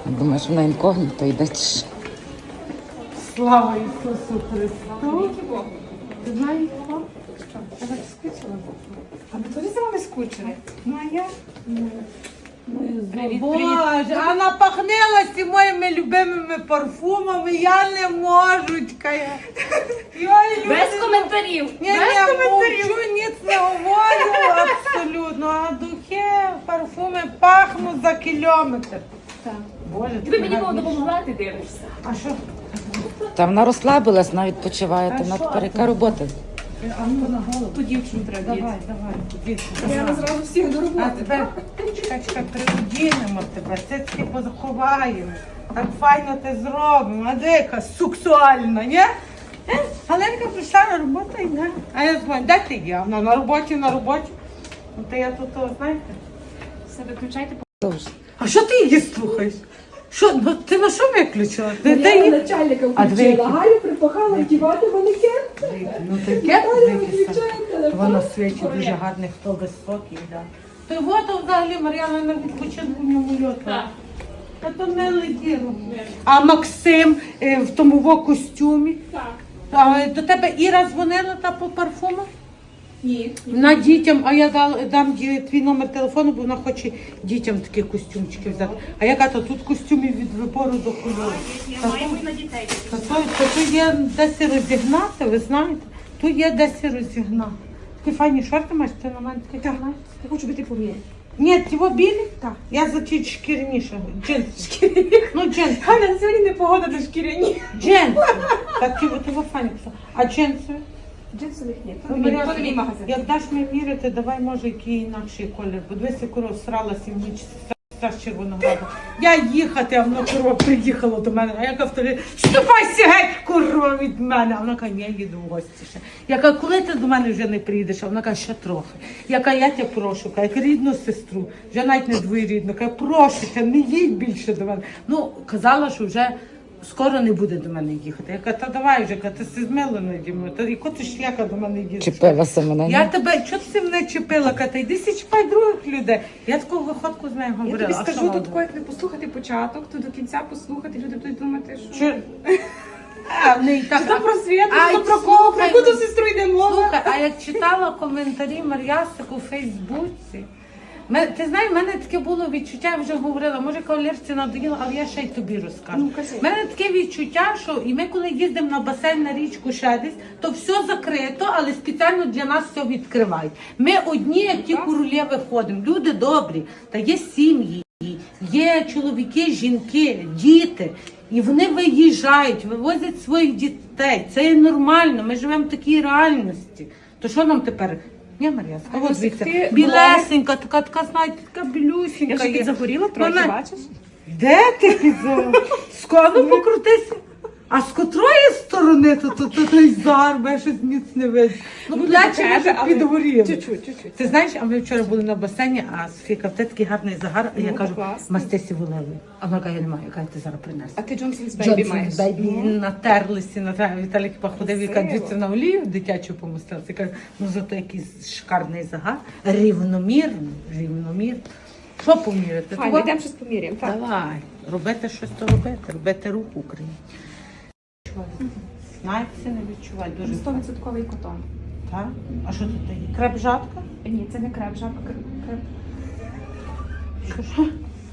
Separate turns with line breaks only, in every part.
Думаєш, вона інкогніто йде чи що?
Слава Ісусу Христу! Ти знаєш, що? Я так скучила. А ви теж за вами скучили? Ну, а я? Боже, а напахнилася моїми любимими парфумами, я не можу, чекає.
Без коментарів.
Ні, мовчу, ніц не говорю, абсолютно. А духи, парфуми пахнуть за кілометр.
Так.
Боже,
Ти мені було допомогла, ти дивишся.
А що?
Та вона розслабилась, вона відпочиває, то вона тепер яка робота?
А ну на голову.
Ту дівчину треба
Давай,
діти.
давай.
Я зразу всіх до
А
роботи.
тепер, чекай, приодінемо тебе, цицьки позаховаємо. Так файно те зробимо. А де яка сексуальна, ні? Галенка прийшла на роботу і не. А я дзвоню, де ти є? Вона на роботі. Ну, то я тут, знаєте.
Все виключайте.
Довже.
А що ти її слухаєш? Що, ну, ти на що виключила? Ти
Я
її...
начальника
А дві
включила. Галю припахала вдівати манекен.
Ну таке дивися.
Включає
Воно
телефон.
в світі дуже гарний, хто високий, да. То й от взагалі Мар'яна на відпочинку в ньому льоту.
Так.
Та то не летіло. А Максим в тому костюмі.
Так.
А до тебе Іра дзвонила та по парфуму?
Ні.
На дітям, а я дам твій номер телефону, бо вона хоче дітям такі костюмчики взяти. А я кажу, тут костюмів від вибору до кольору.
Маємо і на дітей.
Тут є десь розігнати, ви знаєте, тут є десь розігнати. Такі файні шорти маєш, ти на мене такі маєш?
Я хочу бути поміряти.
Ні, ті білі? Так. Я за ті шкіряніше. Джинси. Ну, джинси.
Галя, сьогодні не погода до шкіряні.
Джинси. Так, ті файні. А джинси?
Джинсових ні.
Ну,
То не мій магазин.
Як даш мені міряти, давай, може, який інакший колір. Бо дивися, корова сралася в ніч з Червонограду. Я їхати, а вона корова приїхала до мене. А я кажу, ступайся геть, корова, від мене. А вона каже, ні, я їду в гості ще. Я кажу, коли ти до мене вже не приїдеш? А вона каже, ще трохи. Я кажу, я тебе прошу, кажу, як рідну сестру, вже навіть не двоюрідну. Кажу, прошу тебе, не їдь більше до мене. Ну, казала, що вже скоро не буде до мене їхати. Я кажу, та давай вже, ти си змила наді мною. Та яко ти шляка до мене їдеш?
Чіпилася мене.
Я тебе, чого ти мене чіпила, Ката? Йди сі чіпай других людей. Я таку виходку з нею
Я
говорила.
тобі
А що
скажу,
вона
тут тако, як не послухати початок, то до кінця послухати, люди будуть думати, що...
Чи- А, не і так.
Що про свято,
Ай,
що про кого, про
слухай,
яку то сестру йде мова.
Слухай, а як читала коментарі Мар'ясик у Фейсбуці, ти знаєш, в мене таке було відчуття, я вже говорила, може кавалерці надоїло, але я ще й тобі розкажу.
Ну, кажи.
В мене таке відчуття, що і ми коли їздимо на басейн, на річку ще десь, то все закрито, але спеціально для нас все відкривають. Ми одні, як ті королеви ходимо, люди добрі, та є сім'ї, є чоловіки, жінки, діти. І вони виїжджають, вивозять своїх дітей. Це є нормально, ми живемо в такій реальності. То що нам тепер? Ні, Мар'яска,
А
от
ось
дивіться,
ти
білесенька, така, знаєте, така білюсінька.
Я вже
є.
підзагоріла трохи,
Вона-
бачиш?
Де ти підзагоріла? Скоро покрутися. А з котрої сторони то той зар, бо я щось ніц не видно. Ну,
Ну,
плечі
тебе,
може
але
підгоріли.
чуть-чуть.
Ти знаєш, а ми вчора були на басейні, а Софія каже, «Ти такий гарний загар, а я
Ну,
кажу,
класно.
мастесі волевий. А вона каже, я не маю, я кажу, ти зараз принесла.
А ти Джонсон's Baby маєш.
Бейбі натерлися, Віталій походив і каже, дивіться на олію дитячу помостилася. Я кажу, ну зато якийсь шикарний загар, рівномірно. Що поміряти?
Файно,
Того-
йдемо щось поміряємо. Так.
Давай, робити щось то робити рух Україні. Знаєте, це не відчувай, дуже
100% котон.
так? А що тут є? Креп-жатка?
Ні, це не креп, жабка. Креп.
Що?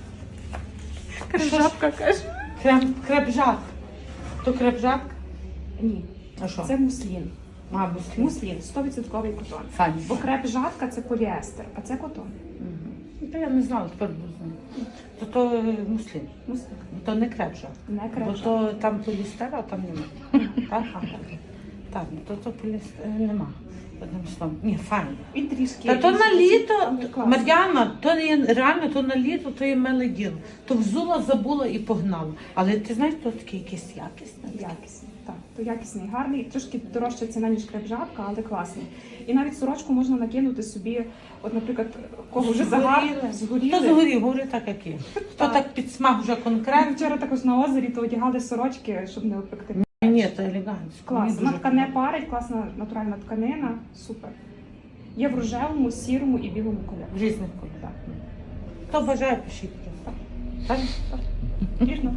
Жабка, каже.
Креп-жатка. То креп-жатка?
Ні,
А що?
це муслін.
Мабуть,
Муслін, 100% котон.
Файно.
Бо креп жатка це поліестер, а це котон.
Та я не знала, тепер буду знати. То муслін.
Муслін.
То не креп-жатка.
Не
Бо
креп.
то там полістер, а там немає. Так? Так, то полістер нема. Одним словом. Ні, файно.
І трішки.
Та то на літо,
Класно.
Мар'яна, то не є реально, то на літо, то є миле діло. То взула, забула і погнала. Але ти знаєш, то таке якесь якісне.
Якісний, так. То якісний, гарний, трошки дорожча ціна, ніж креп-жабка, але класний. І навіть сорочку можна накинути собі, от, наприклад, кого вже загар,
Хто
згоріли.
згорів, говори так, як є. Хто так під смак вже
Ми
конкретно.
вчора також на озері то одягали сорочки, щоб не опекти.
Ні, це елегантно.
Клас, вона така не парить, класна натуральна тканина, супер. Є в рожевому, сірому і білому кольорі.
В різних кольорах. Хто бажає, пишіть. Так? Ніжно.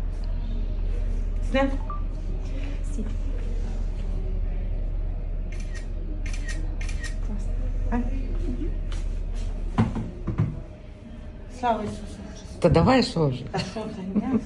Сне?
Сі. Класно.
А? Слава Ісусу Христу.
Та давай що вже?
Та що ти, ні?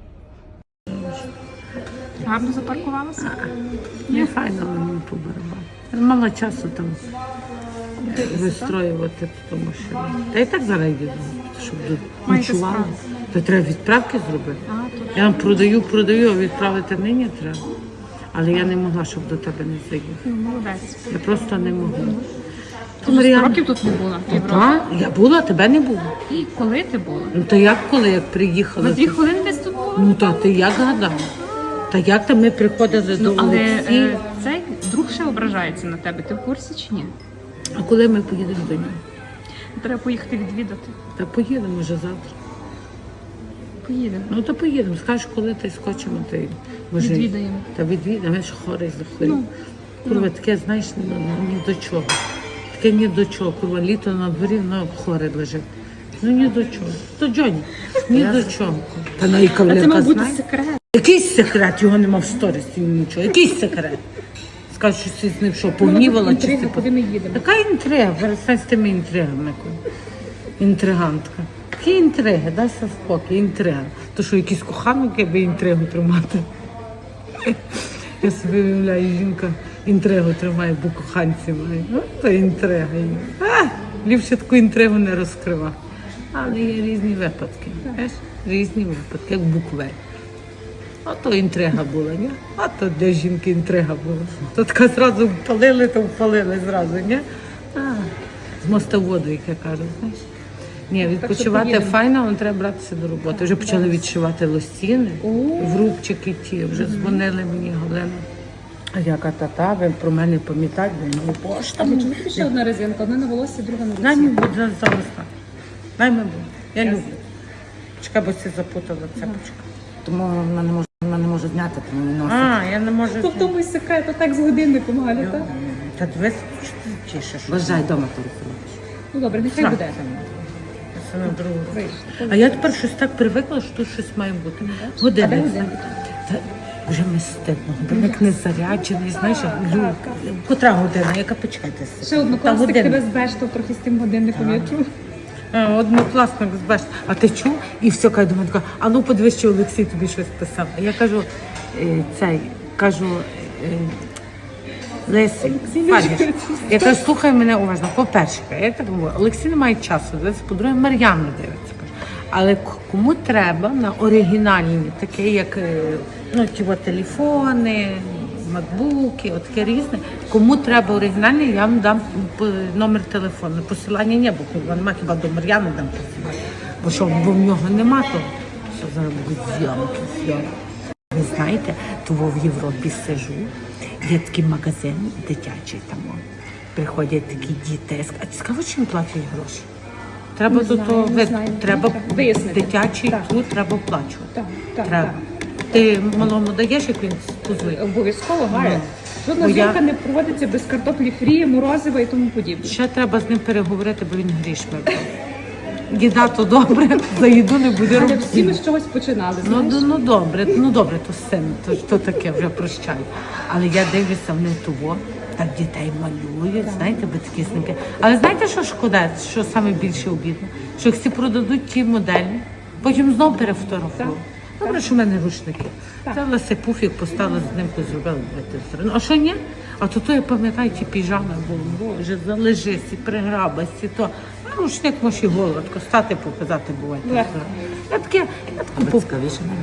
Гарно запаркувалася?
Не файно, але мені по барабану. Мало часу там вистроювати, тому що... Та і так зараз їду, щоб
Маєте
ночували.
справу.
То треба відправки зробити.
А, то
Я вам продаю, а відправити нині треба. Але я не могла, щоб до тебе не заїхати.
молодець.
Я просто не могла.
Ти вже 100 років тут не була в Європі.
Так, я була, тебе не було.
І коли ти була?
Ну то як коли, як приїхала?
За 2 хвилини десь тут була?
Ну та ти як гадала? Та як там ми приходили до
Але
Олексія?
цей друг ще ображається на тебе. Ти в курсі чи ні?
А коли ми поїдемо до нього?
Треба поїхати відвідати.
Та поїдемо вже завтра.
Поїдемо.
Ну то поїдемо. Скажеш, коли ти скочимо, ти може.
Відвідаємо.
Та відвідаємо, я ж хворий захворів.
Ну,
Курва, таке, знаєш, ні до чого. Таке ні до чого. Курва, літо на дворі, воно хворе лежить. Ну ні до чого. То Джоні, ні до чого. Та на
А це
Кавленка
мав бути
знає.
секрет.
Якийсь секрет, його нема в сторісі, нічого. Якийсь секрет. Скажу, що ти з ним що, погнівала чи
Інтрига,
ти...
куди ми їдемо.
Така інтрига, перестань з тими інтригами. Інтригантка. Які інтриги, дайся спокій, інтрига. То що, якийсь коханок, аби інтригу тримати? Я собі уявляю, жінка інтригу тримає, бо коханці має. Ну, то інтрига є. Ліпше таку інтригу не розкривати. Але є різні випадки. Знаєш? Різні випадки, як буквель. Ото інтрига була, ні? А то для жінки інтрига була. То така зразу впалили, то впалили зразу, ні? З моста в воду, як я кажу, знаєш. Ні, відпочивати
поїдемо.
файно, але треба братися до роботи. Вже почали відшивати лосіни, врубчики ті, вже дзвонили мені, Галина. А яка та, ви про мене пам'ятаєте, ну пошта.
Чому тобі ще одна резинка? Одна на волосі, друга на
Дай
руці.
мені буде зараз так. Дай мені буде. Я люблю. Чекай, бо це запутала цепочка.
Тому вона не може зняти, тому не носить.
А, я не можу.
То в тому й секрет, отак з годинником, Галя, так?
Та дивись, що ти тішиш.
Вважай, вдома телефонуєш.
Ну добре, нехай буде.
Це на другу.
Вийшло.
А я тепер щось так привикла, що тут щось має бути.
А де
Годинник.
годинник?
Та вже ми стидно. Годинник не заряджений, знаєш, котра година, яка почекайте.
Ще однокласник тебе збештав трохи з тим годинником, я чув.
Однокласник збеш. А ти чув? І все, каже до мене, така, а ну подивись, що Олексій тобі щось писав. А я кажу, Лесі, Фадіш, я кажу, слухай мене уважно. По-перше, я так говорю, Олексій не має часу дивитися, по-друге, Мар'яна дивиться. Але кому треба на оригінальні, такі як ті телефони, макбуки, таке різне. Кому треба оригінальні, я вам дам номер телефону. Посилання не, бо нема, хіба до Мар'яни дам посилання. Бо що, бо в нього нема того. Що зараз будуть зйомки. Ви знаєте, того в Європі сижу, є такий магазин дитячий там. Приходять такі діти. А ти скажи, чим платять гроші? Треба треба
вияснити.
дитячий
Так.
тут треба оплачувати.
Так,
Треба. Ти малому даєш, як він позвонить?
Обов'язково, Галя. Жодна
Бо я-
зйомка не проводиться без картоплі фрі, морозива і тому подібне.
Ще треба з ним переговорити, бо він грішми. Їда то добре, за їду не буде
Але
робити.
всі ми з чогось починали, знаєш?
Ну добре, то син, то таке вже прощаю. Але я дивлюся, вони того, так дітей малюють, знаєте, батьки знімки. Але знаєте, що шкода, що саме більше обідно? Що їх всі продадуть ті моделі, потім знову перефотографують. Добре, що в мене рушники. Взяла си пуфік, поставила з ним, зробила сторону. А що ні? А то я пам'ятаю, ті піжами були, боже, залежись, і приграбась, і то. А рушник може і голодко, стати показати буває. Я таке
Цікавіше не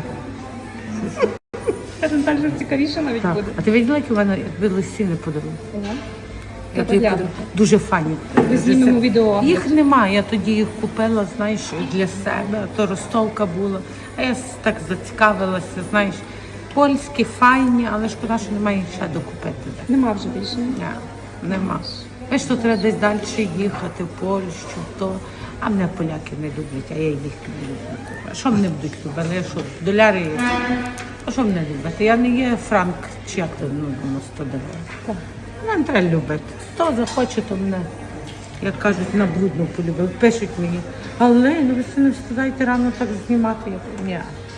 Каже, так же цікавіше навіть
Так.
буде.
А ти бачила, які в мене лосіни подарунок?
Ага.
Я
Я
тобі
погляну.
подарую. Дуже файні.
Ми знімемо відео.
Їх немає, я тоді їх купила, знаєш, для себе, а то ростовка була. А я так зацікавилася, знаєш, польські, файні, але шкода, що немає їх ще докупити.
Нема вже більше.
Ні, нема. Знаєш, то треба десь далі їхати, в Польщу, то. А мене поляки не люблять, а я їх не люблю. А що мене будуть любити? Я що, доляри є? А що мене любити? Я не є франк, чи як то, на 100 доларів. Мене треба любити. Хто захоче, то мене, як кажуть, на блудну полюбив. Пишуть мені, але ви не встигаєте рано так знімати. Я кажу, ні,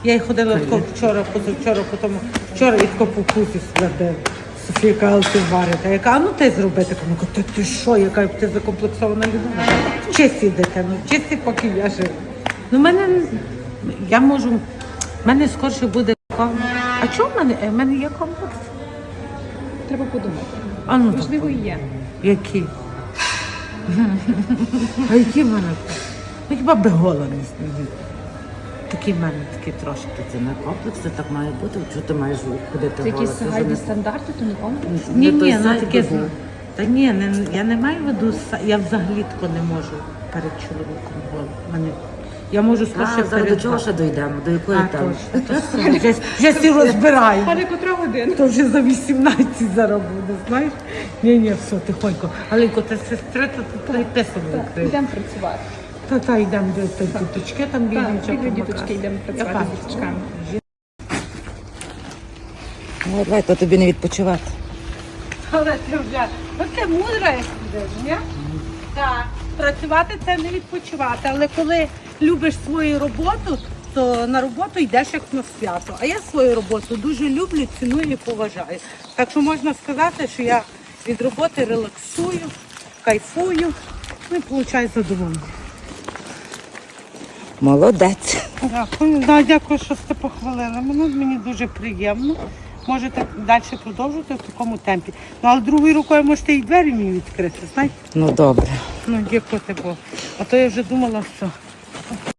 Я й ходила тако вчора, позавчора, потім вчора і тако по вкусі свердила. Софійка, але ти варите. Я кажу, а ну ти зроби таке. Ну, кажу, ти що, яка ти закомплексована людина. Вчися, дитину, вчися, поки я жив. Ну, я можу, в мене скорше буде комплекс. А чого в мене є комплекс?
Треба подумати.
А ну,
Можливо, і є.
які? А які в мене? Ну, хіба би гола не снігів. Такі в мене такі трошки.
Це не комплекс, це так має бути. Чого ти маєш ходити
Це
гола?
якісь
Це вже
загальні
не-
стандарти, то не комплекс.
Ні,
Не той
ні, ну
сайт
таке.
би був.
Та ні, я не маю в виду, я взагалі тако не можу перед чоловіком голим. Я можу скорше
А, зараз до
перед
чого ще дійдемо? До якої
А,
теми?
точно. Вже всі розбираю.
Але котра година?
То вже за 18 зараз буде, знаєш? Ні, все, тихонько. Аленько, ти сестри, то ти писано відкрив.
Йдемо працювати.
Та йдемо до діточки, там
Так,
дівчата.
біля діточки йдемо працювати з діточками.
Ну, давай, то тобі не відпочивати.
Але ти вже, ти мудра, як будеш, ні? Так, працювати це не відпочивати, але коли любиш свою роботу, то на роботу йдеш як на свято. А я свою роботу дуже люблю, ціную і поважаю. Так що можна сказати, що я від роботи релаксую, кайфую, ну і получаю задоволення.
Молодець.
Дякую, да, дякую, що сте похвалили. Мені дуже приємно. Можете далі продовжувати в такому темпі. Ну, але другою рукою можете і двері мені відкрити, знаєте?
Ну, добре.
Ну, дякувати Богу. А то я вже думала, що